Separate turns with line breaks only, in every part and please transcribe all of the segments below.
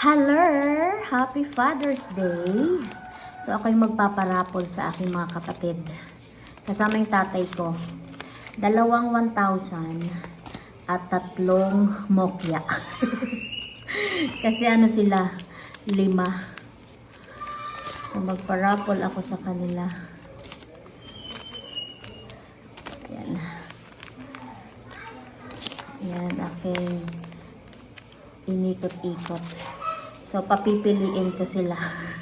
Hello! Happy Father's Day! So ako yung magpaparapol sa aking mga kapatid. Kasama yung tatay ko. 2 1,000 at 3 mokya. Kasi ano sila? 5. So magparapol ako sa kanila. Yan. Yan aking inikot-ikot. So, papipiliin ko sila.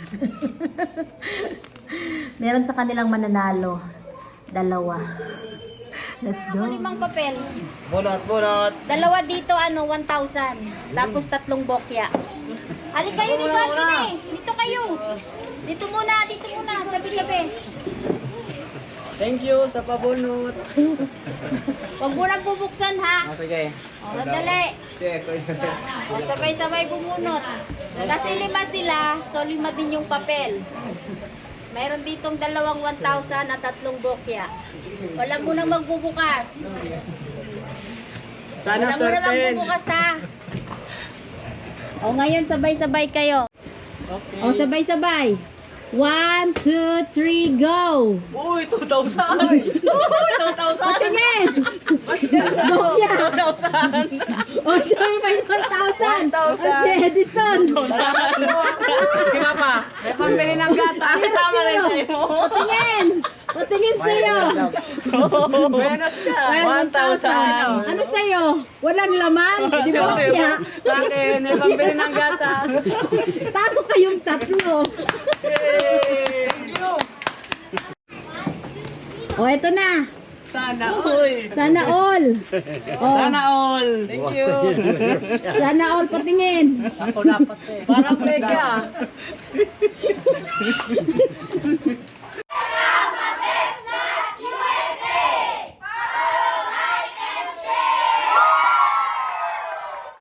Meron sa kanilang mananalo. 2. Let's go.
5 papel.
Bunot.
2 dito, 1,000. Tapos 3 bokya. Halika kayo dito, Anthony. Dito kayo. Dito muna. Tabi-tabi.
Thank you sa pabunot.
Huwag mo nang bubuksan, ha?
Sige.
O, dali. O, sabay-sabay bumunot. Kasi 5 sila, so 5 din yung papel. Mayroon ditong 2 1,000 at 3 bokya. Wala mo nang magbubukas.
Sana
Wala mo nang
certain.
magbubukas, ha? O, ngayon sabay-sabay kayo.
Okay.
O, sabay-sabay. 1, 2, 3, go!
Uy, 2,000! Uy, 2,000!
Patingin! Bokya!
2,000!
O, siya may 1,000!
1,000.
O, si Edison!
Kima pa? May pambili ng gata. Kasama rin sa'yo.
Patingin sa'yo!
Buenos ka.
1,000! Ano sa'yo? Walang laman? Di ba kaya?
Sa akin, may pambili ng gatas.
Talo kayong 3.
Yay! Thank you!
O, eto na!
Sana, uy!
Sana all! O,
Sana all! Thank you!
sana all patingin!
Ako dapat eh. Parang mega.